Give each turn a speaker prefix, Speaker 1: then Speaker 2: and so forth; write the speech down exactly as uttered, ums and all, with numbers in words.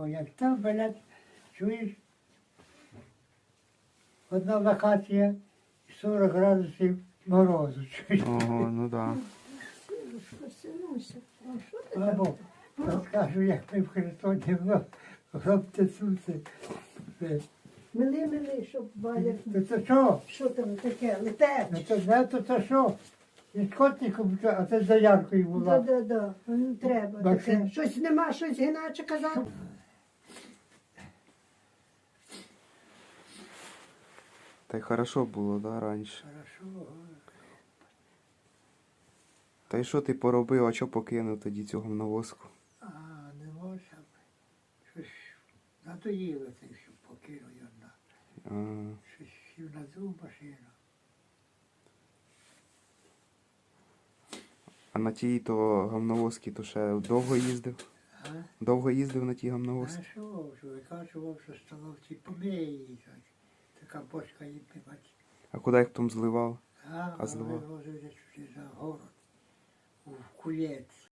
Speaker 1: О, як там, блядь, чуєш, одна локація сорок градусів морозу, чуєш.
Speaker 2: Ого, ну да.
Speaker 3: Синуся, а що ти там?
Speaker 1: Або, розкажу, як ми в Херсоні в Лаптецуці.
Speaker 3: Мили, мили, щоб Валя...
Speaker 1: То це що?
Speaker 3: Що там таке?
Speaker 1: Ну
Speaker 3: Летеч?
Speaker 1: то не, то це що? Із котиком, а це за Яркою була.
Speaker 3: Да-да-да, не треба
Speaker 1: Максим.
Speaker 3: таке. Щось нема, щось іначе казати.
Speaker 2: Та й хорошо було, да, раніше.
Speaker 1: Хорошо.
Speaker 2: Та й що ти поробив, а що покинув тоді цього навозку?
Speaker 1: А, не можна. Щось надоїло це, що покинув я на.
Speaker 2: А,
Speaker 1: Щось сів на цю машину.
Speaker 2: а на тій то гамновозки то ще довго їздив?
Speaker 1: А?
Speaker 2: Довго їздив на тій гамновозки?
Speaker 1: А що, що викачував, що столовці помиї. Така бочка їм пивати.
Speaker 2: А куди їх потім зливав?
Speaker 1: А,
Speaker 2: А зливав?
Speaker 1: вивозили сюди за город. У кулець.